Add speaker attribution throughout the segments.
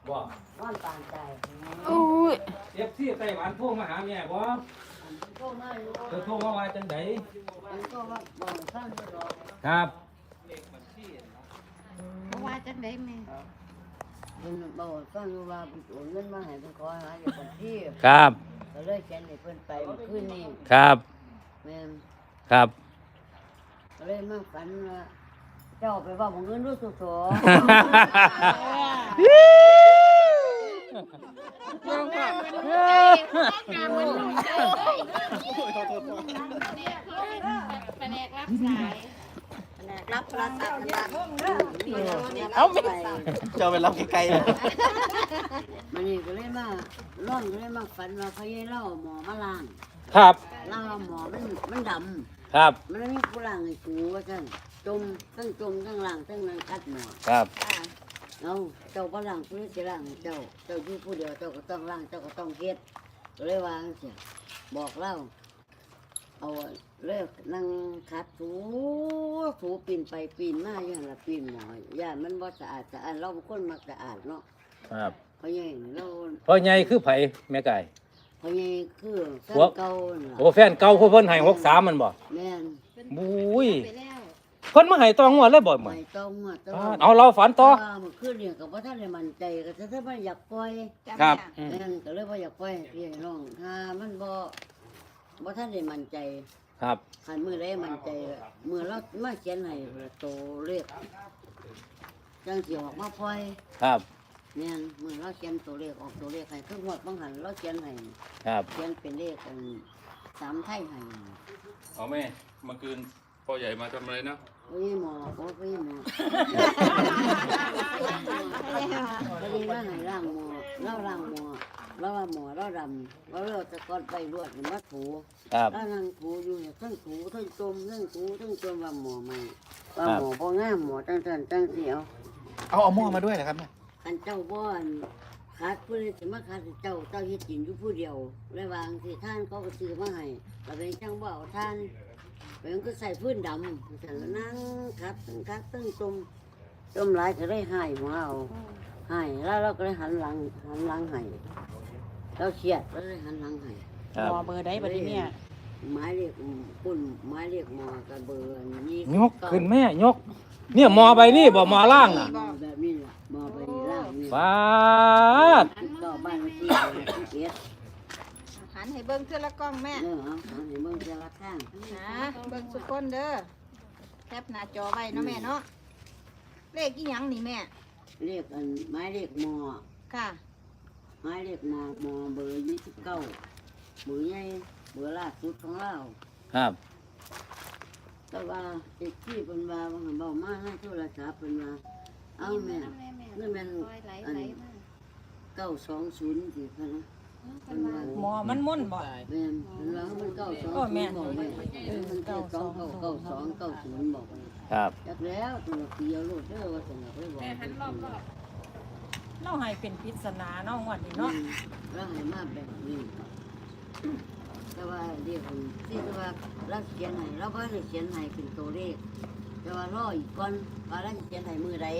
Speaker 1: บ่
Speaker 2: นอนปานใจ
Speaker 3: โอ้ย
Speaker 1: เอฟซีไต้หวันโทรมาหาแม่บ่
Speaker 2: โทรมาอยู่
Speaker 1: เธอโทรมาว่าจังได
Speaker 2: มันก็ว่าบอกฟังอยู่ดอก
Speaker 1: ครับ
Speaker 3: เพราะว่าจังได๋แม่
Speaker 2: มันบอกฟังอยู่ว่าโอนเงินมาให้เพิ่นขอหาอยู่คนที่
Speaker 1: ครับ
Speaker 2: ก็เลยเขียนให้เพิ่นไปเมื่อคืนนี้
Speaker 1: ครับ
Speaker 2: แม่น
Speaker 1: ครับ
Speaker 2: ก็เลยมาฝันว่าเจ้าไปว่าบ่เงินรู้สุโส
Speaker 3: แผนกรับสายแผนกรับโทรศัพท์นะ
Speaker 2: เอาไม่
Speaker 4: เจ้าไปรับไกลๆเลย
Speaker 2: มันนี่ก็เลยมาร้อนก็เลยมาฝันว่าเขาให้เล่าหมอมาล้าง
Speaker 1: ครับ
Speaker 2: ล้างว่าหมอมันดำ
Speaker 1: ครับ
Speaker 2: มันมีผู้ล้างให้กูว่าซั่นจมทั้งล้างทั้งนั้นคัดหมอ
Speaker 1: ครับ
Speaker 2: เอาเจ้าบ่ล้างผู้นี้สิล้างให้เจ้าอยู่ผู้เดียวเจ้าก็ต้องล้างเจ้าก็ต้องเฮ็ดก็เลยวาจังซี่บอกเล่าเอาเลิกนั่งขัดถูปีนไปปีนมาอย่างละปีนหมอย่านมันบ่สะอาดเราเป็นคนมักสะอาดเนาะ
Speaker 1: ครับ
Speaker 2: เพราะใหญ่เรา
Speaker 1: พ่อใหญ่คือไผแม่ไก่
Speaker 2: เพราะใหญ่คือแฟนเก่าน่ะ
Speaker 1: โอ้แฟนเก่าเพิ่นให้63มันบ่
Speaker 2: แม่น
Speaker 1: บุ้ย
Speaker 3: ไปแล้ว
Speaker 1: เพิ่นมาให้ตองวดเลยบ่มื้อ
Speaker 2: ไม่ต้องอ่ะแต่
Speaker 1: เอาเราฝันต่อ
Speaker 2: ว่าเมื่อคืนเนี่ยก็บ่ทันได้มั่นใจก็ถ้ามันอยากปล่อย
Speaker 1: ครับ
Speaker 2: แม่นก็เลยบ่อยากปล่อยให้พี่ให้น้องถ้ามันบ่ทันได้มั่นใจ
Speaker 1: ครับ
Speaker 2: คันมื้อใดมั่นใจมื้อเรามาเขียนให้โตเลขจังสิออกมาปล่อย
Speaker 1: ครับ
Speaker 2: แม่นมื้อเราเขียนตัวเลขออกตัวเลขให้คืองวดบางหันเราเขียนให้
Speaker 1: ครับ
Speaker 2: เขียนเป็นเลขกัน3ไทยให้
Speaker 5: เอาแม่เมื่อคืนพ่อใหญ่มาทำอะไรนะ
Speaker 2: โอ้ยหมอโอ้ยหมอพอดีว่าให้ร่างหมอเราร่างหมอเราว่าหมอเราดำเราจะก้อนไปรวดมาถู
Speaker 1: ครับ
Speaker 2: แล้วนั่งถูอยู่เนี่ยทั้งถูทั้งจมทั้งถูทั้งจมว่าหมอใหม่ว่าหมอบ่งามหมอจังซั่นจังเสียว
Speaker 4: เอาหม้อมาด้วยนะครับเนี่ย
Speaker 2: อันเจ้าบ่อนขาดผู้ใดสิมาขาดเจ้าเฮ็ดกินอยู่ผู้เดียวเลยวางสิท่านเขาก็ซื้อมาให้ก็เป็นจังบ่เอาท่านเป็นก็ใส่พื้นดำแต่ละนั่งคัดตั้งจมหลายก็ได้หายหมอเอาหายแล้วเราก็เลยหันหลังให้เราเครียดแล้วเลยหันหลังให้
Speaker 1: ครับ
Speaker 3: หมอเบอร์ใดบัดนี้เนี่ย
Speaker 2: ไม้เรียกปุ่นไม้เรียกหมอกับเบอร์นี้
Speaker 1: ยกขึ้นแม่ยก เนี่ยหมอใบนี้บ่หมอล่างน่ะ
Speaker 2: แบบนี้ล่ะหมอไปล่างนี่
Speaker 1: ฟาด
Speaker 2: ก็บ้านที่เอ็ด
Speaker 3: หันให้เบิ่งเทื่อละกล้องแม่
Speaker 2: เอาให้เบิ่งแต่ละข้าง
Speaker 3: นะเบิ่งสุกคนเด้อแคปหน้าจอไว้เนาะแม่เนาะเลขอีหยังนี่แม่
Speaker 2: เรียกอันไม้เรียกหมอ
Speaker 3: ค่ะ
Speaker 2: ไม้เรียกหมอเบอร์29เบอร์ใหญ่เบอร์ล่าสุดของเรา
Speaker 1: ครับ
Speaker 2: แต่ว่าเด็กที่เพิ่นว่าว่าเบามาให้โทรศัพท์เพิ่นว่าเอาแม่นี่แม่นอัน920สิเพิ่นนะเพิ่นว่า
Speaker 3: หมอมันมุ่นบ่
Speaker 2: แม่นเพิ่นว่ามัน920บอกแม่มัน9299290บอก
Speaker 1: ครับ
Speaker 2: จักแล้วตัวเดียวโลดเด้อว่าซั่นน่ะเพิ่นบอก
Speaker 3: เราให้เป็นปริศนาเนาะงวดนี้เนาะ
Speaker 2: แล้วให้มาแบบนี้แต่ว่าเรียกที่ว่าเราเขียนให้เราก็ได้เขียนให้เป็นตัวเลขแต่ว่ารออีกก่อนว่าเราจะเขียนให้มือใด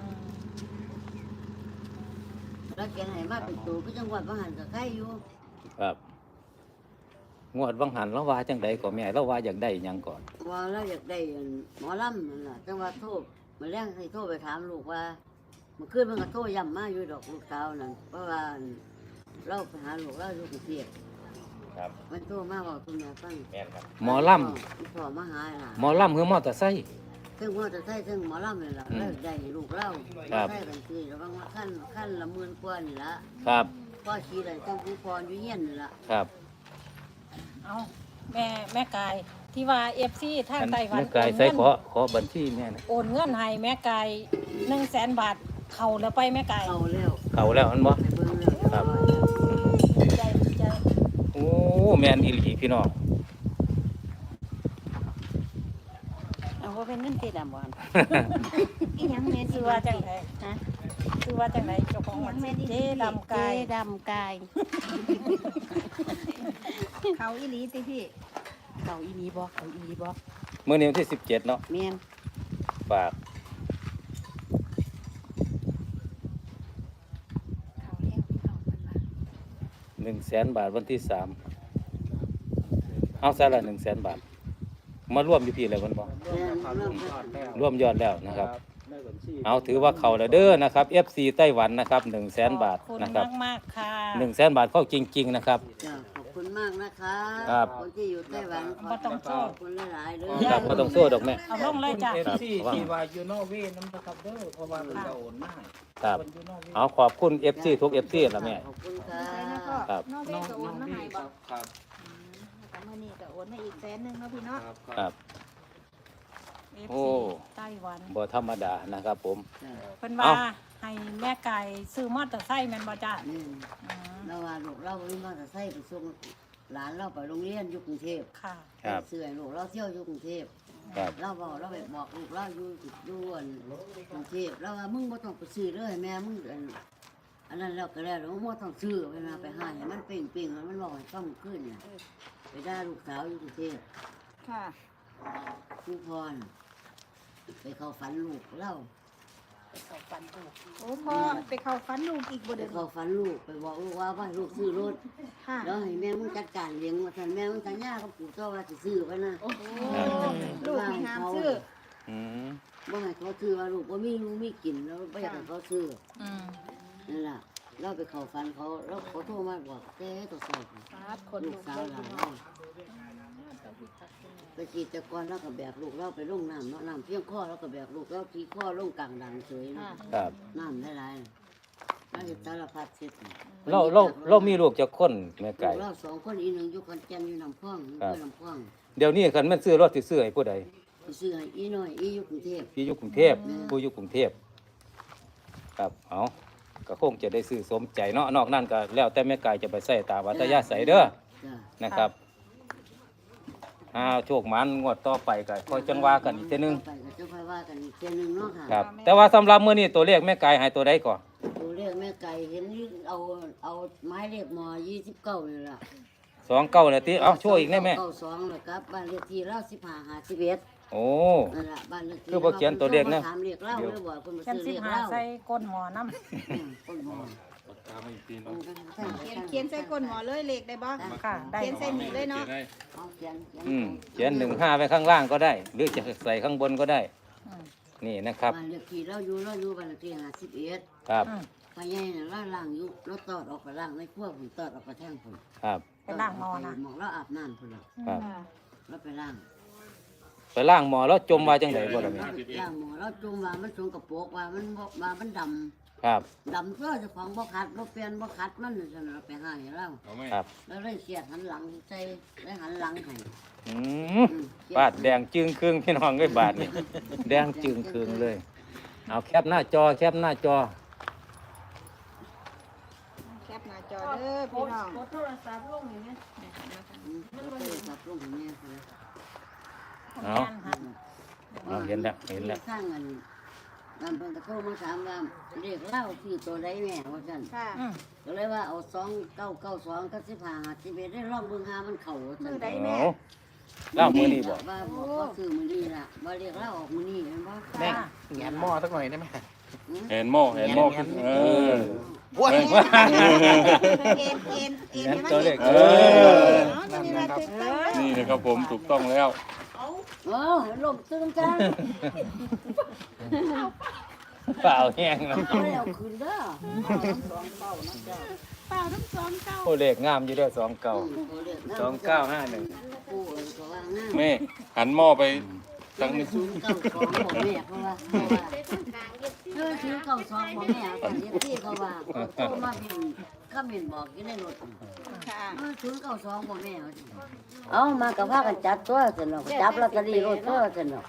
Speaker 2: เราเขียนให้มาเป็นตัวก็จังหวัดบางหันก็ใกล้อยู่
Speaker 1: ครับงวดวังหันแล้วว่าจังใดก็แม่แล้วว่าอยากได้หยังก่อน
Speaker 2: ว่าเราอยากได้หมอลำนั่นแหละจังหวัดโทษมาแรงให้โทษไปถามลูกว่าเมื่อคืนมันก็โทษย้ำมาอยู่ดอกลูกสาวนั่นเพราะว่าเราไปหาลูกเราอยู่กรุงเทพ
Speaker 1: ครับ
Speaker 2: มันโทษมาบอกคุณแม่ฟัง
Speaker 1: แม่นครับหมอล
Speaker 2: พ่อมาหาล่ะ
Speaker 1: ำหมอลำคือมอเตอร์ไซค์
Speaker 2: ซึ่งพ่อจะใช้ซึ่งหมอลำนี่ล่ะ
Speaker 1: อืม
Speaker 2: เลิกได้ลูกเล่า
Speaker 1: ครับ
Speaker 2: ใช้กันคือระวังว่าขั้นละหมื่นกว่านี่ละ
Speaker 1: ครับ
Speaker 2: พ่อชี้ได้ต้องผู้พรอยู่เงี้ยนนี่ละ
Speaker 1: ครับ
Speaker 6: เอาแม่กายที่ว่า FC ทางไต้หวัน
Speaker 1: แม่ไก่ใส่ขอบัญชีแม่นะ
Speaker 6: โอนเงินให้แม่กาย100,000 บาทเข้าแล้วไปแม่กาย
Speaker 2: เอาแล้ว
Speaker 1: เขาแล้วมันบ่
Speaker 2: ไปเบิ่งแล้ว
Speaker 1: ครับ
Speaker 6: ดีใจดีใจ
Speaker 1: โอ้แม่นอีหลีพี่น้อง
Speaker 3: เอาว่าเป็นเงินตีดำบ่
Speaker 6: อีหยังแม่ชื่อว่าจังได๋ฮะชื่อว่าจังได๋เจ้าของมันเจ๊ดำกาย
Speaker 3: ดำกายเขาอีหลีติพี่เขาอีหลีบ่เขาอีหลีบ่
Speaker 1: มื้อนี้วันที่17เนาะ
Speaker 3: แม่น
Speaker 1: ฝาก 100,000 บาทวันที่3เอาซะละ100,000 บาทมาร่วมอยู่พี่แล้วมันบ่
Speaker 2: แม่นเริ่มแล้ว
Speaker 1: ร่วมยอดแล้วนะครับ เอาถือว่าเขาแล้วเด้อนะครับ FC ไต้หวันนะครับ100,000 บาท
Speaker 6: ขอบคุณ
Speaker 1: นะครับ
Speaker 6: มากๆค่ะ
Speaker 1: 100,000 บาทเข้าจริง ๆ นะครับ
Speaker 2: จ้ะขอบคุณมากนะคะ
Speaker 1: ครับ
Speaker 2: คนที่อยู่ไต้หวันข
Speaker 6: บ่ต้องโทษ
Speaker 2: ขอบคุณหลายๆเลย
Speaker 1: ครับบ่ต้องโซ่ดอกแม่
Speaker 6: เอาลงเลยจ้ะ
Speaker 1: ครับ
Speaker 4: ที่ว่าอยู่นอกเวน้ำนะครับเด้อเพราะว่ามันจะโอนมาก
Speaker 1: ครับ เอาขอบคุณ FC ทุก FC ล่ะแม่
Speaker 2: ขอบคุณค่ะ
Speaker 3: ใส่นะพ่อ
Speaker 1: ครับ
Speaker 3: น้องเวก็โอนมาให้บ่
Speaker 4: ครับ
Speaker 3: แต่มื้อนี้ก็โอนมาอีก100,000เนาะพี่เนาะ
Speaker 1: ครับ โอ้
Speaker 6: ไต้หวัน
Speaker 1: บ่ธรรมดานะครับผม
Speaker 2: จ้ะ
Speaker 6: เพิ่นว่า
Speaker 1: เอ้า
Speaker 6: ให้แม่ไก่ซื้อมอเตอร์ไซค์แม่นบ่จ้ะ
Speaker 2: นี่
Speaker 6: อืม
Speaker 2: เราว่าลูกเราวิ่งมาแต่ไส้ไปส่งหลานเราไปโรงเรียนอยู่กรุงเทพ
Speaker 6: ค่ะ
Speaker 1: ครับ
Speaker 2: เสื่อลูกเราเที่ยวอยู่กรุงเทพ
Speaker 1: ครับ
Speaker 2: เราบอกเราไปบอกลูกเราอยู่กรุงเทพเราว่ามึงบ่ต้องไปซื้อเลยแม่มึงอันนั้นเราก็แล้วมึงบ่ต้องซื้อเวลาไปหาให้มันเป่งๆแล้วมันบอกให้ฟังขึ้นเนี่ยไปด่าลูกสาวอยู่กรุงเทพ
Speaker 3: ค่ะ
Speaker 2: ครูพรไปเข้าฝันลูกเรา
Speaker 3: โอ้พ่อไปเข้าฝันลูกอีกบ่
Speaker 2: ไป
Speaker 3: เด้อ
Speaker 2: เข้าฝันลูกไปบอกลูกว่าให้ลูกซื้อรถ
Speaker 3: ค่ะ
Speaker 2: แล้วให้แม่มึงจัดการเลี้ยงว่าท่านแม่มึงสัญญากับปู่ตัวว่าสิซื้อไว้นะ
Speaker 3: โอ้ลูกนี่ห้ามซื้อ
Speaker 1: อืม
Speaker 2: บ่ให้เขาซื้อว่าลูกบ่มีลูกมีกินแล้วบ่อยากให้เขาซื้อ
Speaker 6: อืม
Speaker 2: นั่นล่ะเราไปเข้าฝันเขาแล้วเขาโทรมาบอกเต้ตัวสอบ
Speaker 3: ครับคน
Speaker 2: ลู
Speaker 3: ลู
Speaker 2: ก
Speaker 3: ก
Speaker 2: สาวหลานเราไปจีตะกอนเราก็แบกลูกเราไปลงน้ำเนาะน้ำเพียงข้อเราก็แบกลูกเราที่ข้อลงกลางดังเฉยเนาะ
Speaker 1: ครับ
Speaker 2: น้ำหลายๆน่าจะสารพัดเสร็จ
Speaker 1: เรามีลูกจักคนแม่ไก่
Speaker 2: เราสองคนอีหนึ่งอยู่ขอนแก่นอยู่ลำพองอยู่ลำพอง
Speaker 1: เดี๋ยวนี้คันแม่นซื้อรถสิซื้อให้ผู้ใด
Speaker 2: ไปซื้อให้อีน้อยอีอยู่กรุงเทพ
Speaker 1: พี่อยู่กรุงเทพผู้อยู่กรุงเทพครับเอาก็คงจะได้ซื้อสมใจเนาะนอกนั้นก็แล้วแต่แม่ไก่จะไปใส่ตามวัตยาใส่เด้อ
Speaker 2: จ้ะ
Speaker 1: นะครับโชคหมันงวดต่อไปก็ค่อยจังว่ากันอีกเทีนึง
Speaker 2: ไปก็จะค่อยว่ากันอีกเทีนึงเนาะค่ะ
Speaker 1: ครับ แต่ว่าสำหรับมื้อนี้ตัวเลขแม่ไก่ให้ตัวใดก่อน
Speaker 2: ตัวเลขแม่ไก่เห็นนี่เอาไม้เลขม29นี่ล่ะ
Speaker 1: 29นาทีเอาช่วยอีกได้แม่
Speaker 2: 92แล้วครับบ้านเลขที่เรา1551
Speaker 1: โอ้
Speaker 2: นั่นล่ะบ้านเลขที่
Speaker 1: คือบ่เขียนตัวเลขนะ
Speaker 2: ถามเลขเล่าเลยบ่คนมา
Speaker 6: เพิ่น
Speaker 2: ซื้อ
Speaker 6: สิ
Speaker 2: เลข
Speaker 6: หา
Speaker 2: เล่า
Speaker 6: ใส่ก้นหมอน้ำ
Speaker 2: ต้นหม้อ
Speaker 5: ปากกามาอีกทีเนาะ
Speaker 3: เขียนใส่ก้นหมอเลยเลขได้บ่
Speaker 6: ค่ะได้
Speaker 3: เขียนใส่หนีเลยเนาะ
Speaker 5: ขีได้
Speaker 2: เอาเขียน
Speaker 1: เขียน15ไว้ข้างล่างก็ได้ หรือจะใส่ข้างบนก็ได้
Speaker 6: อืม
Speaker 1: นี่นะครับ
Speaker 2: บ้านเลขที่เราอยู่บ้านเลขที่51
Speaker 1: ครับ
Speaker 6: อืม
Speaker 2: พญายน่ะเราล้างอยู่เราตอดออกไปล้างในครัวผมตอดออกไปแท่งผม
Speaker 1: ครับ
Speaker 6: ไปล้างหมอนะ
Speaker 2: หมองเราอาบน้ำพุ่นล่ะ
Speaker 1: ครับ
Speaker 2: เราไปล้าง
Speaker 1: ไปล่างหมอแล้วจมว่าจังไดบ่ล่ะแม่
Speaker 2: เราไปล้างหมอเราจุ่มว่ามันสงกระโปรกว่ามันบ่ว่ามันด
Speaker 1: ครับ
Speaker 2: ำดำตัวเจ้าของบ่ขัดบ่เปลี่ยนบ่ขัดมันนั่นซั่นน่ะเราไปหาให้เรา
Speaker 5: เอาไหม
Speaker 1: ครับ
Speaker 2: แล้วเลยเสียดหันหลังใส่ได้หันหลังให้
Speaker 1: อืมบาดแดงจึงครึ่งพี่น้องเอ้ยบาดนี่แดงจึงครึ่งเลย เอาแคปหน้าจอแคปหน้าจอ
Speaker 3: แคปหน้าจอเด้อพี่น้อง
Speaker 2: เราไปจับลงให้แม่พุ่นล่ะ
Speaker 1: เอา เอาเห็นแล้วเห็นแล้ว
Speaker 2: สร้างเงินนั่นเพิ่นก็โทรมาถามว่าเรียกเล่าที่ตัวใดแม่ว่าซั่น
Speaker 3: ค่ะ
Speaker 6: อืม
Speaker 2: ก็เลยว่าเอา2992กับ1551ได้ลองเบิ่งหามันเข้าว่าซั่น
Speaker 1: เอาเล่ามือนี่บอก
Speaker 2: ว่าบ่ซื้อมื้อนี้ล่ะบ่เรียกเล่าออกมื้อนี้แม่นบ่
Speaker 4: แม่แงนหม้อสักหน่อยได้ไหม
Speaker 5: เห็นหม้อขึ้นเออ
Speaker 4: ว้าย
Speaker 3: เอ็นให้มัน
Speaker 1: ตัวเลข
Speaker 5: เออ
Speaker 3: เนาะนี่ล่ะถูกต้อง
Speaker 5: นี่นะครับผมถูกต้องแล้ว
Speaker 2: โอ้ลมตึงจัง
Speaker 1: เปล่าแห้งแล้ว
Speaker 2: เอาแล้วคืนเด้อ
Speaker 3: เปล่าทั้งสองเก้า
Speaker 1: โอ้เลขงามอยู่เด้อ29 2951
Speaker 2: ปู่ก็ว่างั้น
Speaker 5: แม่หันหม้อไปทางนี้
Speaker 2: 092บ่แม่เพราะว่า092บ่แม่ตอนนี้ที่เขาว่าโทรมาเป็นคอมเมนต์บอกอยู่ในรถ
Speaker 3: ค่ะ
Speaker 2: 092บ่แม่เอามากับพากันจับตัวซั่นเนาะจับลอตเตอรี่รถตัวซั่นเนาะ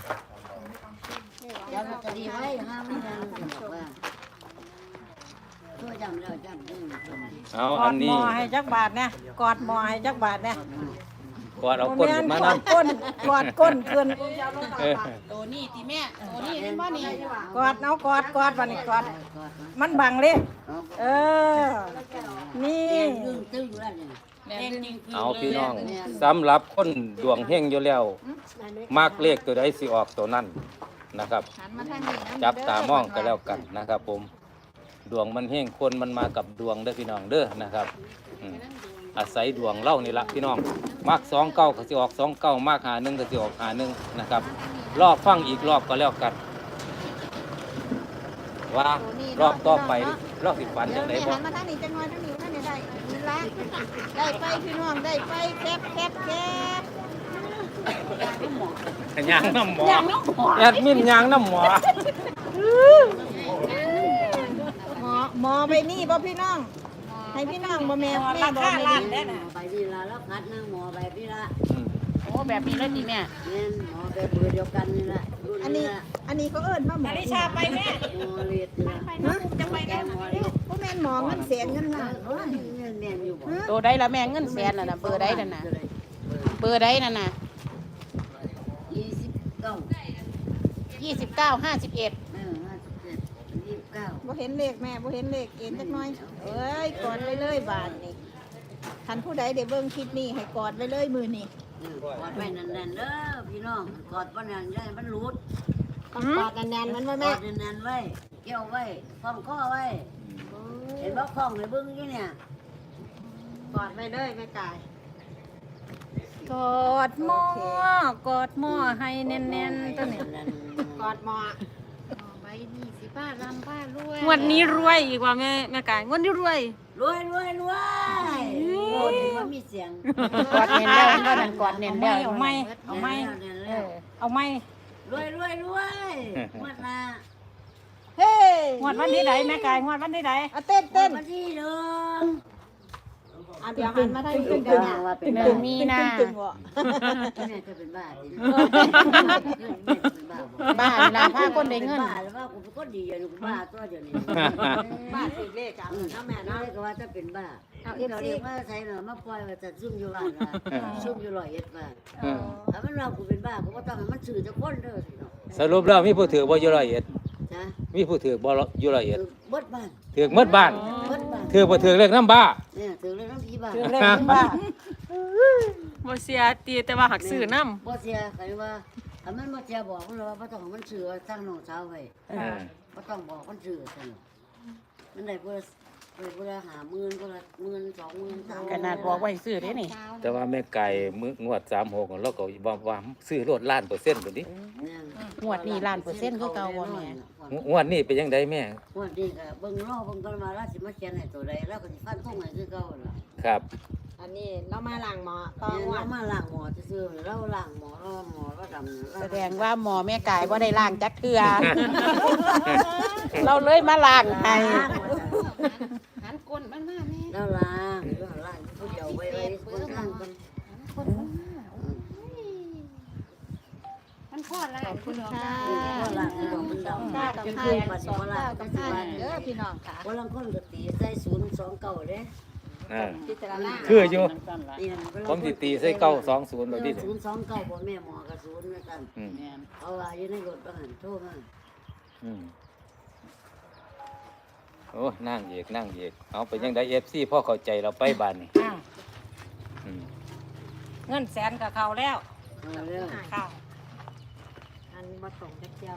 Speaker 2: จับลอตเตอรี่ไว้ห้ามมันบอกว่าตัวจำแล้วจำได้
Speaker 1: เอา
Speaker 6: ก
Speaker 1: อั
Speaker 6: อน ดหม
Speaker 1: นี้
Speaker 6: อให้จักบาทเนี่ยกอดหมอให้จักบาทเนี่ย
Speaker 1: กอดเอาก้นขึ้นมาก
Speaker 6: อ
Speaker 1: นํ
Speaker 6: ดก้นกอดก้นขึ้น
Speaker 3: ตัวนี้ติแม่ตัวนี้เป็นบ่นี่
Speaker 6: กอดเอากอดวันนี้กอดมันบังเลยเออ นี่
Speaker 2: ตึงตึงแล้วเนี่ย
Speaker 1: เอาพี่น้องสำหรับคนดวงเฮงอยู่แล้วมักเลขตัวใดสิออกตัวนั้นนะครับ
Speaker 3: หันมาทางนี้นะ
Speaker 1: จับตามองกันแล้วกันนะครับผมดวงมันแห้งคนมันมากับดวงเด้อพี่น้องเด้อนะครับอาศัยดวงเล่านี่ละพี่น้องมัก29ก็สิออก29มัก51ก็สิออก51นะครับรอบฟังอีกรอบก็แล้วกันว่ารอบต่อไปรอบสิฝัน
Speaker 3: เดี๋
Speaker 1: จั
Speaker 3: ยว
Speaker 1: งได๋
Speaker 3: แม่
Speaker 1: บ่
Speaker 3: หันมาทางนี้จังหน่อยทางนี้ท่านนี่ได้นี่ละได้ไปพี่น้องได้ไปแคบ
Speaker 1: ยางน้ำหมอ
Speaker 6: ยังไม่หมด
Speaker 1: แอดมินยางน้ำหมอ
Speaker 3: หมอไปนี่บ่พี่น้องให้พี่น้องบ่แม่
Speaker 6: รา
Speaker 3: บ่
Speaker 6: คา
Speaker 3: แม่
Speaker 6: ล้าน
Speaker 3: นี่
Speaker 6: ได้น่ะ
Speaker 2: ไปดีละแล้วคัดนั่งหมอไปพี่ละ
Speaker 6: โอ้แบบนี้เลยดีแม่
Speaker 2: เนี่ยหมอแบบเบอร์เดียวกันนี่แหละรุ่น
Speaker 3: อัน
Speaker 2: นี้
Speaker 3: นี้
Speaker 2: ละ
Speaker 3: อันนี้เขาเอิ้นว่าหมอ
Speaker 6: นาฬิชาไปแม่
Speaker 2: หมอเลียดนี่ละ
Speaker 6: จะไป
Speaker 2: แก
Speaker 6: กัน
Speaker 2: หมอเลียด
Speaker 3: บ่แม่นหมอเงินแสนเงินล้าน
Speaker 2: โอ้ยแม่นอยู่บ่
Speaker 6: ตัวใดละแม่เงินแสนน่ะนะเบอร์ใดนั่นน่ะเบอร์ใดนั่นน่ะ
Speaker 2: 29
Speaker 6: 29 51
Speaker 2: 29
Speaker 3: บ่เห็นเลขแม่บ่เห็นเลขเอ็นจักหน่อยเอ้ยกอดไว้เลยบาทนี่คันผู้ใดได้เบิ่งคลิปนี้ให้กอดไว้เลยมือนี่
Speaker 2: กอดไว้แน่นๆเด้อพี่น้องกอดบ่แน่นได้มันหลุด
Speaker 3: ต้องกอดแน่นๆมันว่า
Speaker 2: ก
Speaker 3: แม่
Speaker 2: อดแน่นๆไว้เกี่ยวไว้คล้องคอไว้เห็นบ่คล้องให้เบิ่งอยู่เนี่ย
Speaker 3: กอดไว้เลยแม่กาย
Speaker 6: กอดหม้อกอดหม้อให้แน่นๆตัวนี้
Speaker 3: กอดหมอ
Speaker 2: ไปนี่สิป้าลำป้ารวย
Speaker 6: งวดนี้รวยอีกว่าแม่กายงวดนี้รวย
Speaker 2: รวยรวยรวยโอ้ยมันมีเสียง
Speaker 6: กอดเน้นแล้วก็นั่นกอดเน้นแล้วเอาไหมเอาไหม
Speaker 2: แน่น
Speaker 6: เอ
Speaker 2: แล้ว
Speaker 6: อเอาไหม
Speaker 2: รวยรวยรวยหมดละ
Speaker 3: เฮ้
Speaker 6: งวดวันที่ใดแม่กายงวดวันที่ใด
Speaker 3: เอาเต้นเต้น
Speaker 2: มาที่เดิม
Speaker 3: อ่ะเดี๋ยวหันมาทางนี้เดี๋ยว
Speaker 2: ว่าเป็น
Speaker 6: หนึ่งมีนา
Speaker 3: ตึงๆบ่
Speaker 2: แม่จะเป็นบ้าจริง
Speaker 6: บ้านลาพาคนได้เงิน
Speaker 2: บ้าแล้วว่ากูเป็นคนดีอยู่กูบ้าตัวเดียวนี้
Speaker 3: บ้านสิเลขอ่ะน้าแม่
Speaker 2: น้อ
Speaker 3: เนาะ
Speaker 2: ยก็ว่าจะเป็นบ้า
Speaker 3: เอา
Speaker 2: ที่เรา
Speaker 3: FC
Speaker 2: เรียกว่าใส่เนาะมาปล่อยว่าจะซุ่มอยู่บ้านว่าซุ่มอยู่ร้อยเอ็ดบ้าน
Speaker 1: เออ
Speaker 2: ถ้ามันเรากูเป็นบ้ากูก็ต้องให้มันสื่อจะคนเด้อสิเนาะ
Speaker 1: สรุปแล้วมีผู้ถือบ่อยู่ร้อยเอ็ด
Speaker 2: จ้ะ
Speaker 1: มีผู้ถือบ่อยู่ร้อยเอ็ด
Speaker 2: เบิดบ้าน
Speaker 1: ถือหมดบ้าน
Speaker 2: เบิดบ้าน
Speaker 1: ถือบ่ถือเลขน้ำบ้า
Speaker 2: เนี่ยถือเรื่องน้ำผีบ้าน
Speaker 6: คือเลขที่บ้านบ่เสียตีแต่ว่าหักซื้อนำ
Speaker 2: บ่เสียใครว่าถ้ามันบ่เสียบอกมันเลยว่าบ่ต้องให้มันสื่อว่าตั้งน้องสาวไว้ บ่ต้องบอกมันสื่อซั่นมันได้เพื่อ50,000ก็ละ10,000 20,000 30,000
Speaker 6: ขนาดบอกไว้ซื้อเด้นี่
Speaker 1: แต่ว่าแม่ไก่มื้องวด36เราก็ว่าซื้อรถล้านเปอร์เซ็นต์พุ่นดิ
Speaker 6: งวดนี้ล้านเปอร์เซ็นต์คือเก่าบ่แม่
Speaker 1: งวดนี้เป็นจังไดแม่
Speaker 2: งวดนี้ก็เบิ่งรอเบิ่งก่อนว่าเราสิมาเขียนให้ตัวใดแล้วก็สิฟันธงให้คือเก่าล่ะ
Speaker 1: ครับ
Speaker 3: อันนี้เรามาล้างหมอต่อ
Speaker 2: เนี่ย
Speaker 3: งว
Speaker 2: เรา
Speaker 3: ด
Speaker 2: มาล้างหมอซื่อๆเราล้างหมอเราดำ
Speaker 6: แสดงว่าหมอแม่กายบ่ได้ล้างจักเทื่อ เราเลยมาล้างให้
Speaker 3: หันก้นมันมาแม่
Speaker 2: เราล้างผู้เดียวไว้คนข้างกัน
Speaker 3: มันพอดขอบคุณค่ะ
Speaker 2: ก็ล้างดอกมันดำ
Speaker 3: ก้ากับ
Speaker 2: จัง
Speaker 3: ห้า
Speaker 2: คือ
Speaker 3: กั
Speaker 2: ปั
Speaker 3: บ
Speaker 2: ด
Speaker 3: สอง
Speaker 2: บ่ล้า
Speaker 3: เก้าง กับ
Speaker 2: จังสิ
Speaker 3: ห้า
Speaker 2: ว่า
Speaker 3: เด้อพี่น้องค่ะ
Speaker 2: บ่ลังคนก็ตีใส่029เด้
Speaker 1: อ่า
Speaker 3: พิจารณา
Speaker 1: คืออยู่
Speaker 2: นี่นะ
Speaker 1: ผมสิตีใส่920แบบนี้
Speaker 2: 029บ่แม่หมอก็0เหมือนกัน
Speaker 1: อืม
Speaker 2: เอาว่าอยู่ในรถบ่หันโทรมา
Speaker 1: อืมโอ้นั่งเอกนั่งเอกเอาไปยังได FC พ่อเข้าใจเราไปบ้านนี่อืม
Speaker 6: เงินแสนกับเขาแล้ว
Speaker 2: เอาเร็ว
Speaker 6: ค่ะ
Speaker 3: อันบ่ตรงจักเจียว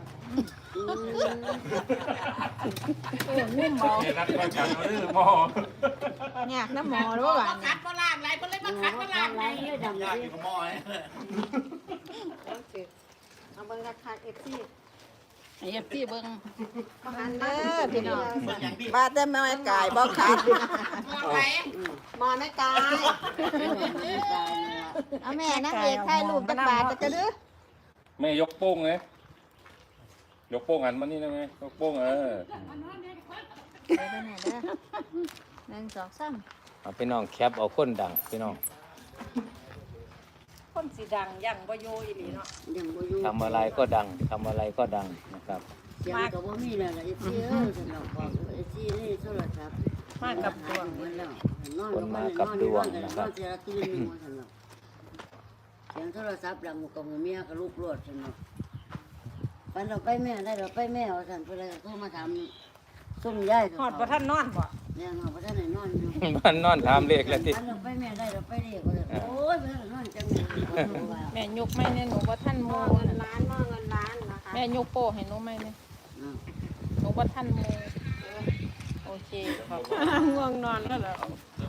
Speaker 6: งุ่มเบา
Speaker 5: รัดประกันเอาเรื่องหมอ
Speaker 3: เนี่ยน้ำหมอหรือว่าหวานเนี่ย
Speaker 2: อะไรเนี่ยดำเลย
Speaker 3: เอาเบิ่งราคา FC
Speaker 6: เอฟซีเบิ่ง
Speaker 3: มาหันเด้อพี่น้องบ้าแต่แม่กายบ่ขาดหมอแม่กายเอาแม่นางเอกถ่ายรูปจักบาทจะดื้อ
Speaker 5: แม่ยกโป้งเลยยกโป้งอันมานี่ได้ไหมยกโป้ง
Speaker 3: เดี๋ยวแม่เด้อ1 2 3
Speaker 1: เอาพี่น้องแคปเอาคนดังพี่น้อง
Speaker 6: คนสิดังยังบ่อยู่อีหลีเนาะ
Speaker 2: ยังบ่อยู่
Speaker 1: ทำอะไรก็ดังทำอะไรก็ดังนะครับ
Speaker 2: เสียงก็บ่มีแล้วล่ะไอ้ที่สนอกบอกไอ้ที่นี่โทรศัพท์
Speaker 6: มากับดวง
Speaker 2: มันแล้วนอนลงมานอนเสียตื่นนึงว่าซั่นเนาะเสียงโทรศัพท์ดังกับเมียก็ลูกโลดซั่นเนาะปันเราไปแม่ได้เราไปแม่ว่าซั่นเพิ่นเลยโทรมาถามซุ่มยาย
Speaker 6: ฮอดบ่ทันนอนบ่
Speaker 2: เนี่ยเนาะบ่ทันได้นอนอยู่
Speaker 1: มันนอนถามเลขแล้วที่
Speaker 2: ปันเราไปแม่ได้เราไปเรียกว่าซั่นโอ้ยบ่ทันนอนจังเลยว่า
Speaker 6: แม่ยกไม่เนี่ยหนูบ่ทันห
Speaker 3: หม้
Speaker 6: มู
Speaker 3: อเงินล้านหม้อเงินล้านนะคะ
Speaker 6: แม่ยกโป้ให้หนูไม่เนี่ยหนูบ่ทันหมูโอเคขอบง่วงนอนแล้วเหรอ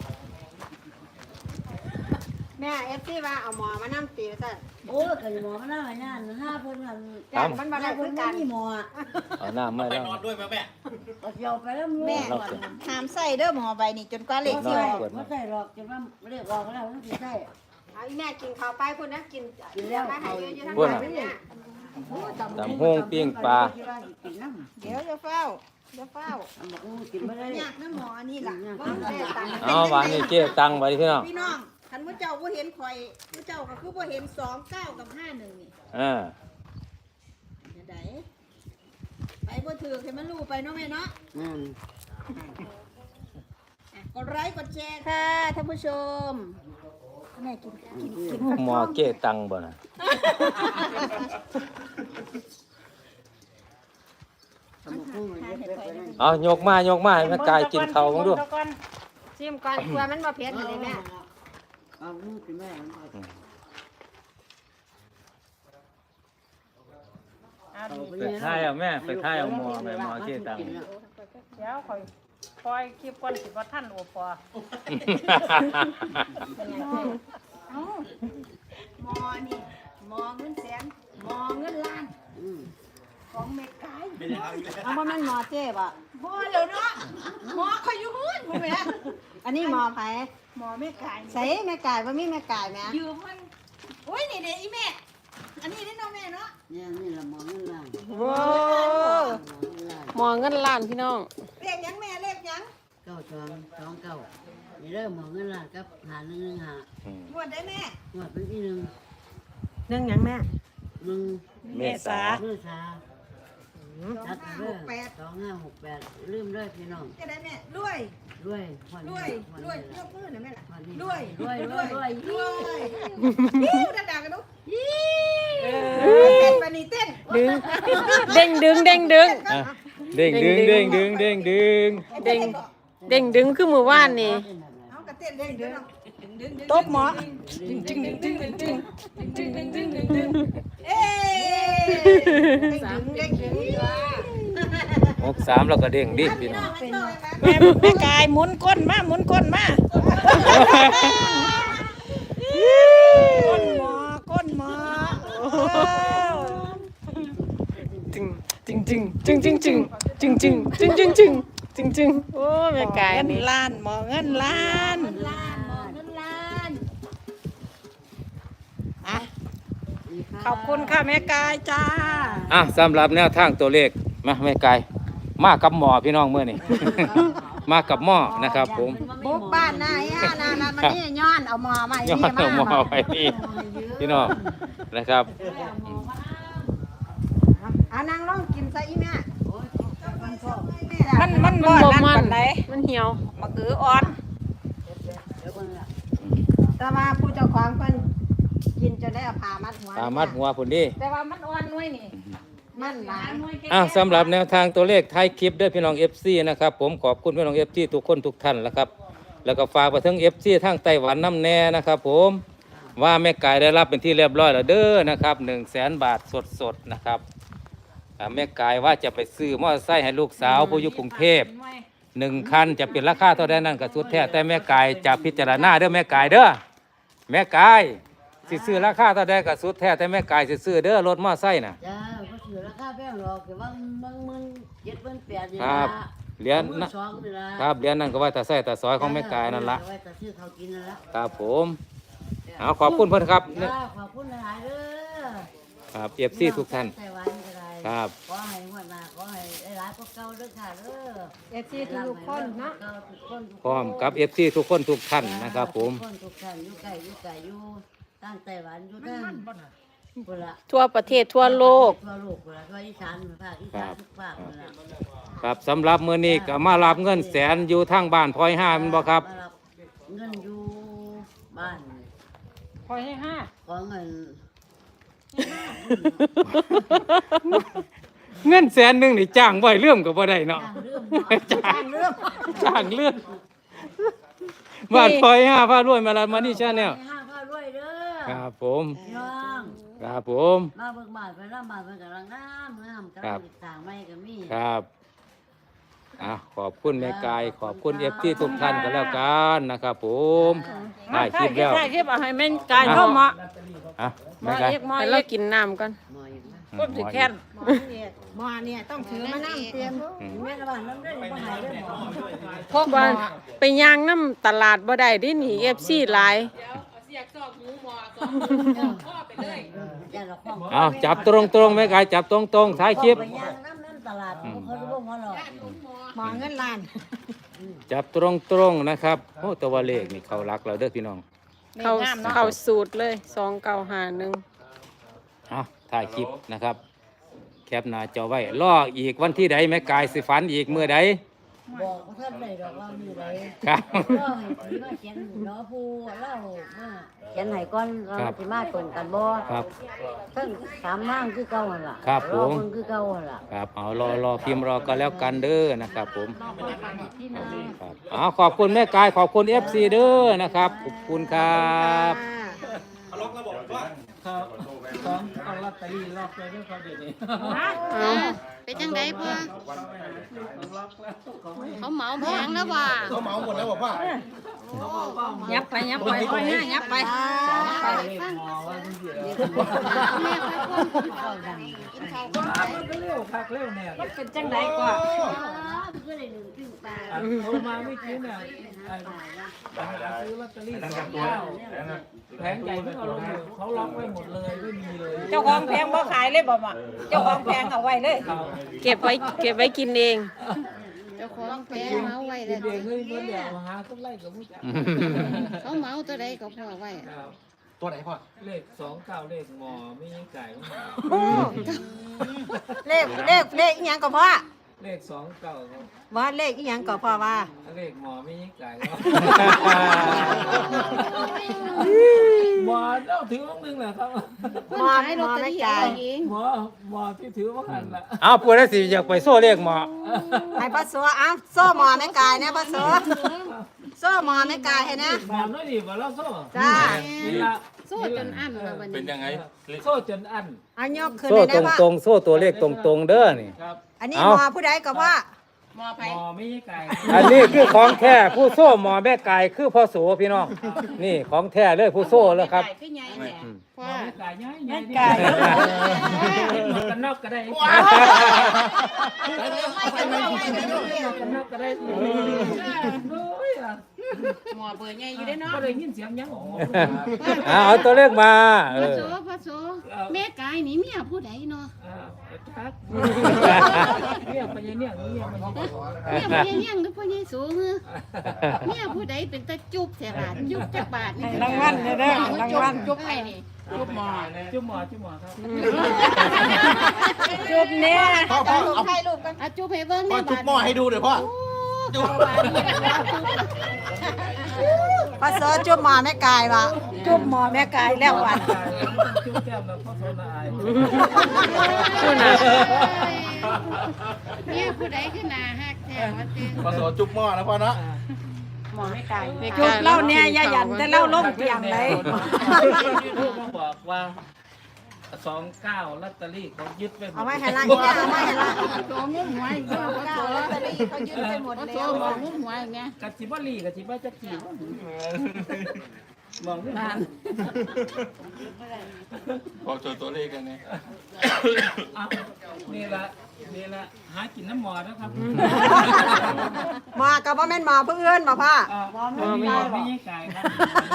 Speaker 3: แม่เอฟซีว่าเอาหมอมานั่งตีซะ
Speaker 2: โอ้ยก็หมอมาหน้าย่านห้าเพิ่นกัน
Speaker 3: จ้างมันบ่ได้
Speaker 2: เพิ่
Speaker 3: คื
Speaker 2: น
Speaker 3: อ
Speaker 2: กั
Speaker 3: กัน น
Speaker 2: มีหมอ
Speaker 1: เอาน้ำไม่แล้ว
Speaker 2: ก็เจียวไปแล้ว
Speaker 3: แม่ห้ามใส่เด้อหมอใบนี่จนกว่าเลขสิออก
Speaker 2: ไม่ใช่หรอกจะว่าเรียกออกแล้วมันสิใช่
Speaker 3: เอาอีแม่กินข้าวไปพุ่นนะกิน
Speaker 2: กินแล้ว
Speaker 3: ไปให้อยู่ทาง
Speaker 1: พุ่น
Speaker 3: บ้า
Speaker 1: น่ะ
Speaker 3: นเนี่ย
Speaker 1: ตำห้งปิ้งปลา
Speaker 3: เดี๋ยวจะเฝ้าจะเฝ้า
Speaker 2: กินไม่ได้
Speaker 3: อยากน้ำหมอนี่ล่ะว่าแม่ตัง
Speaker 1: เอาวานนี่เจ๊ตังไว้พี่น้อง
Speaker 3: พี่น้องคันผู้เจ้าบ่เห็นข่อยผู้เจ้าก็คือบ่เห็น29กับ51นี่
Speaker 1: อ่า
Speaker 3: จะได้ไปบ่ถือให้มันรู้ไปเนาะแม่เนาะ กดไลค์กดแชร์ค่ะท่านผู้ชมแม่กิน
Speaker 1: หมอเจ๊ตังบ่น่ะ เอายกมายกมาให้แม่กายกินข้าวบ้างดู
Speaker 3: ชิมก่อนกลัวมันบ่เผ็ดเลยแม่
Speaker 2: เอาลูกกินแม่
Speaker 1: ไปท้ายเอาแม่ไปท้ายเอาหมอแม่หมอเจ๊ตัง
Speaker 6: เดี๋ยวคอยปล่อยคลิปก่อนสิบ่ทันโอปอ
Speaker 3: เอ้าหมอนี่หมอเงินแสนหมอเงินล้านของเมกายเอาบ่แม่นหมอเจ๊บ่บ่แล้วเนาะหมอข่อยอยู่หุ้นบ่แม่อันนี้หมอไผหมอเมกายใส่แม่กายบ่มีแม่กายแม่ยืมมันโอ้ยนี่เด้อีแม่อันนี้เด้เนาะแม่เนาะ
Speaker 2: เนี่ยนี่ละหมอเงินล้าน
Speaker 6: โว้หมอเงินล้านพี่น้อง
Speaker 3: เลขหยังแม่เลขหยัง
Speaker 2: 9 2 2 9นี่เริ่มหมอเงินล้านกับหา1 1 5
Speaker 3: งวดได้แม่
Speaker 2: งวดเป็นที่1
Speaker 3: หนึ่งหยังแม่
Speaker 2: 1
Speaker 1: เมษา
Speaker 2: เมื่อชาชัดเด้อ2568ลืมเลยพี่น้อง
Speaker 3: จะได้แม่รวย
Speaker 2: รวย
Speaker 3: รวยรวยยกมือหน่อยแม่ล่ะ
Speaker 2: รวยรวยรวยรวย
Speaker 3: รวยยิ้วดังๆกันดูเต้นปานีเต้น
Speaker 6: ดึงเด้งดึงเด้งดึง
Speaker 1: อ่ะเด้งดึงเด้งดึงเด้งดึง
Speaker 6: เด้งเด้งดึงคือมือว่านนี่
Speaker 3: เอากระเต้นเด้งเด้งดึง
Speaker 6: ตบหมอ
Speaker 3: เอ๊เด้งดึง
Speaker 1: 63แล้วก็เด้งดิพี่น้อง
Speaker 6: แม่กายหมุนก้นมาหมุนก้นมาก้นหมอจึงจึงจึงจึงจึงจึงจึงจึงจึงจึงจึงจึงจึงโอ้แม่กายเงินล้านหมอเงินล้าน
Speaker 3: ล้านหมอเงินล้าน
Speaker 6: ขอบคุณค่ะแม่กายจ้า
Speaker 1: อ่ะสำหรับแนวทางตัวเลขมาแม่กายมากับหมอพี่น้องมื้อนี้ มากับหมอนะครับผม
Speaker 3: บุกบ้านนายอ่ะนะมันนี่ย้อนเอาหมอมา
Speaker 1: ย้อนเอาหมอไปนี่พี่น้องนะครับ
Speaker 3: เอานางลองกินซะอีแม่
Speaker 6: มันบ่มันมันเหี่ยว
Speaker 3: มะเขืออ่อนแต่ว่าผู้เจ้าของเพิ่นกินจนได้เอาผ้ามัดหัว
Speaker 1: ตามมัดหัวพุ่นดิ
Speaker 6: แต่ว่ามันอ่อนน้อยนี่
Speaker 3: มันหลาย
Speaker 1: อ่ะสำหรับแนวทางตัวเลขท้ายคลิปด้วยพี่น้อง FC นะครับผมขอบคุณพี่น้อง FC ทุกคนทุกท่านแล้วครับแล้วก็ฝากไปถึง FC ทางไต้หวันน้ำแน่นะครับผมว่าแม่กายได้รับเป็นที่เรียบร้อยแล้วเด้อนะครับ100,000 บาทสดๆนะครับแม่กายว่าจะไปซื้อมอเตอร์ไซค์ให้ลูกสาวผู้อยู่กรุงเทพ1 คันจะเป็นราคาเท่าใดนั่นก็สุดแท้แต่แม่กายจะพิจารณาเด้อแม่กายเด้อแม่กายสิซื้อราคาเท่าใดก็สุดแท้แต่แม่กายสิซื้อเด้อรถมอเตอร์ไซค์น่ะ
Speaker 2: จ้าก็ถือราคาแพงหรอกแต่ว่ามัน7 8นี่
Speaker 1: ค
Speaker 2: ละ
Speaker 1: รับเหรียญนะ
Speaker 2: 2นี่ละ
Speaker 1: ครับเหรียญนั่นก็ไว้แต่ใส่แต่ซอยของแม่กายนั่นละ
Speaker 2: ไว้แต่ซื้อเขากินนั่นละ
Speaker 1: ครับผมเอาขอบคุณเพื่อนครับ
Speaker 2: จ้าขอบคุณหลายๆเด้อ
Speaker 1: ครับเอฟซีทุกท่าน
Speaker 2: ไต้หวันก็ได้
Speaker 1: ครับ
Speaker 2: ขอให้หัวหน้าขอให้หลายๆพวกเก่าเด้อค่ะเด้อ
Speaker 3: เอฟซีทุกคนเนาะ
Speaker 1: พร้อมกับเอฟซีทุกคนทุกท่านนะครับผม
Speaker 2: ทุกคนทุกท่านอยู่ไกลอยู่ตั้งไต้หวันอยู่ตั้งพุ่นละ
Speaker 6: ทั่วประเทศทั่วโลก
Speaker 2: ทั่วโลกพุ่นละทั่วอีสานภาคอีสานทุกภาคพุ่นละ
Speaker 1: ครับสำหรับมื้อนี้ก็มารับเงินแสนอยู่ทางบ้านพลอยห้าแมันบ่ครับ
Speaker 2: มารับเงินอยู่บ้าน
Speaker 6: พอยให้ห้า
Speaker 2: ขอเงิน
Speaker 1: เงินแสนหนึงนี่จ้างไว้เรื่องก็บ่ได้เนาะ
Speaker 2: จ้างเรื่อง
Speaker 1: จ้างเรื่องบ้านพลอยห้าพารวยมาแล้วมานี่ชาแนล
Speaker 2: ห้าพ่อรวยเด้อ
Speaker 1: ครับผม
Speaker 2: พี่น้อง
Speaker 1: ครับผม
Speaker 2: มาเบิกบานไปรับบ้านเพิ่นกำลังงามกำลังติดต่างใหม่ก็มี
Speaker 1: ครับขอบคุณแม่กายขอบคุณFTทุกท่านก็แล้วกันนะครับผมได้คลิปแล้ว
Speaker 6: ถ่ายคลิปเอาให้แม่นกายเข้ามา
Speaker 1: แม่กาย
Speaker 6: ให้เรากินน้ำก่อน
Speaker 2: หมออีกนะ
Speaker 6: ก็สิแค่น
Speaker 3: หมอเนี่ยต้องถือมานั่งเตรียมแม่ระบาดน้ำได้บ่หายได้หมอ
Speaker 6: พวกว่าไปย่างน้ำตลาดบ่ได้ดิหนี FC หลาย
Speaker 2: อย่าละข้อง
Speaker 1: เอาจับตรงๆแม่กายจับตรงๆท้ายคลิป
Speaker 2: ไปย่างน้ำตลาดเขาจะบอกว่าหรอก
Speaker 3: หมอเงินล้าน
Speaker 1: จับตรงๆนะครับโอ้ตัวเลขนี่เขารักเราเด้อพี่น้อง
Speaker 6: เข้าสูตรเลย2951
Speaker 1: เอาถ่ายคลิปนะครับ แคปหน้าจอไว้รออีกวันที่ใดแม่กายสิฝันอีกมื้อใด
Speaker 2: บอกว่าท่านได้ดอกเราอยู่ไหน
Speaker 1: ครับ
Speaker 2: ก็ให้ที่มาเขียนเนาะผู้เล่ามาเขียนให้ก่อนเราสิมาตรงกันบ่
Speaker 1: ครับ
Speaker 2: เพิ่งถามว่างคือเก่าหั่นล่ะ
Speaker 1: ครับผม
Speaker 2: อเพิ่นคือเก่าหั่นล่ะ
Speaker 1: ครับเอารอพิมพ์รอกันแล้วกันเด้อนะครับผมครับเอาขอบคุณแม่กายขอบคุณ FC เด้อนะครับขอบคุณครับ
Speaker 4: ครับของเอาลอตเตอรี่ล็อกเลยด้วยครับเดี๋ยวนี้
Speaker 7: เป็นจังไดพ่อ
Speaker 4: ล็อกแล้วของไม่
Speaker 7: เขาเหมาแพงแล้วว่ะ
Speaker 8: เขาเหมาหมดแล้วบอกว่า
Speaker 6: ยับไปยับไปไปนะยับไป
Speaker 4: ไปเลขหมอว่าที่เดียว
Speaker 7: แม่ไปพ่นกินข้าวดังกินข้าวก่อน
Speaker 4: มันก็เร็วคักเร็วเนี่ย
Speaker 6: เป็นจังไดกว่า
Speaker 2: ก็ได้1ครึ่งปลา
Speaker 4: โทรมาไม่กินเนี่ยซื้อลอตเตอรี่2 9แผงใหญ่ไม่เอาลงอยู่เขาล็อกไว้หมดเลยไม่มีเลย
Speaker 6: เจ้าของแพงบ่ขายเลยบ่มาเจ้าของแพงเอาไว้เลย เก็บไว้กินเอง
Speaker 7: เจ้าของแพงเมาไว้
Speaker 4: เด็
Speaker 7: แล้ว
Speaker 4: กๆเฮ้ยเมื่อเดี๋ยวหาต้นไร่กับผู้จัด
Speaker 7: เขาเมาตัวใดก็พอไว้
Speaker 8: ตัวไหนพ่อ
Speaker 4: เลข29เลขหมอไม่ยังไก่
Speaker 3: เลขอีหยังก็พ่อ
Speaker 4: เลข29ครับ
Speaker 3: ว่าเลขอีหยังก็พ่อว่า
Speaker 4: เลขหมอไม่ยังไก่หมอต้องถือว่านึงแหละครับ
Speaker 7: คนขายลอตเตอรี่เอาเอง
Speaker 4: หมอที่ถือว่าหันละ
Speaker 1: เอาปวดแล้วสิอยากไปโซ่เลขหมอ
Speaker 3: ให้พ่อสัวอ้าวโซ่หมอแม่กายนะพ่อสัวโซ่หมอแม่กายให้นะ
Speaker 4: หมอน้อยดีบ่แล้วโซ่
Speaker 3: จ้า
Speaker 4: นี่ละ
Speaker 7: โซ่จนอั้นแล้ววัน
Speaker 5: เป็น
Speaker 7: นี้
Speaker 5: ยังไง
Speaker 4: โซ่จนอัน
Speaker 3: อันยกขึ้น
Speaker 1: โซ่
Speaker 3: เลยนะว่า
Speaker 1: ตรงๆโซ่ตัวเลขตรงๆเด้อนี่
Speaker 4: ครับ
Speaker 3: อันนี้
Speaker 1: เอ้า
Speaker 3: หมอผู้ใดก็ว่า
Speaker 4: หมอไม่ใช่ไก่
Speaker 1: อันนี้คือของแท้ผู้โซ่หมอแม่ไก่คือพ่อโสพี่น้องนี่ของแท้เลยผู้โซ่แล้วครับ
Speaker 7: ขึ้นใหญ่แหละ
Speaker 4: หมอไม่ไก่ย้าย
Speaker 6: แม่
Speaker 4: ไก่
Speaker 6: ไก่
Speaker 4: หมอกันนอกก็ได้หมอกันนอกก็ได้
Speaker 7: หมอเบอร์ใหญ่อยู่ได้เนาะ
Speaker 4: ก็เลยยินเสียงยังออก
Speaker 1: เอาตัวเลขมา
Speaker 7: พระโสพระโสแม่กายนี่เมียผู้ใดเนาะ
Speaker 4: ครับเนี่ยไปเนี่ยเนี่ยมัน
Speaker 7: เมียผู้ใหญ่เลี้ยงหรือผู้ใหญ่สูงเออเมียผู้ใดเป็นตาจุบแสบาทจุบจักบาทนี่
Speaker 6: รางวัลเด้อรางวัล
Speaker 7: จุบไอ้นี่
Speaker 4: จุ๊บหมอจุ๊บหมอครับ
Speaker 6: จุบเนี่ย
Speaker 8: พ่อเอา
Speaker 7: อ่ะจุบให้เบิ่ง
Speaker 8: พ่อ
Speaker 7: แม่
Speaker 8: จุ๊
Speaker 7: บา
Speaker 8: บ
Speaker 7: ท
Speaker 8: หม้อให้ดูหน่อยพ่อ
Speaker 7: จุบาทนี่
Speaker 3: พ่อสัวจุ๊บหมอแม่กายว่ะจุ๊บหมอแม่กายแล้ววัน
Speaker 4: จุ๊บแก้มแล้วพ่อโซนอาย
Speaker 7: เมียผู้ใดขึ้นหน้าฮักแท้ว่าติ
Speaker 8: พ่อโสจุ๊บหม้อนะพ่อเนาะ
Speaker 3: จุ๊บเล่าเนี่ยอย่าหยันแต่เล่าลงเตียงเลย
Speaker 4: ลูกมาบอกว่า29ลอตเตอรี่เขายึดไปหม
Speaker 3: เอา
Speaker 4: ด
Speaker 3: ไว้ให้ละเนี่ยเอาไว้ให้ละ
Speaker 7: โตงุ้มหวยเจ้าพระโส
Speaker 3: ลอตเตอรี่เขายึดไปหมด
Speaker 7: พระโส
Speaker 3: แล้ว
Speaker 7: มองงุ้มหวยแม่
Speaker 4: กะจิบลีกะจิบจะจีมองไม่นาน
Speaker 5: บอกตัวเลขกันเนี่ย
Speaker 4: นี่ละหากินน้ำหมอนะครับ
Speaker 3: หมอกับว่าแม่นหมอเพื่อนหมอพ่อ
Speaker 4: หมอไม่ใช่ไก่ครับ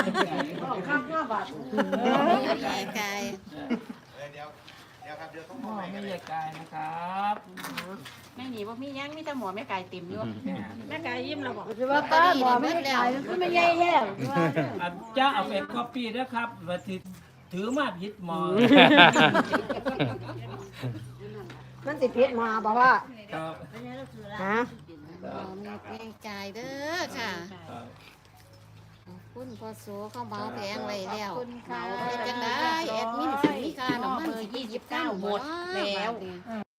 Speaker 7: ไก่
Speaker 4: หมอไม่ใช่ไก่นะครับ
Speaker 7: แม่หนีบ่มียังมีแต่หมอแม่ไก่เต็มอยู่
Speaker 6: แม่ไก่ยิ้มแล้วบอก
Speaker 2: คือว่าป้าหมอไม่ได้ขายก็ไม่ใหญ่แล้ว
Speaker 4: จะเอาเป็นคอปปี้นะครับว่าถือมาผิดหมอ
Speaker 3: มันติดพิษหมอบอกว่า
Speaker 4: ครับ
Speaker 3: ฮะ
Speaker 7: หมอมีแม่ไก่เด้อค่ะคุณพ่อโสเข้าเมาแพงไว้แล้วเมาไปจังได้แอดมินสิมีค่าน้ำมัน29หมดแล้ว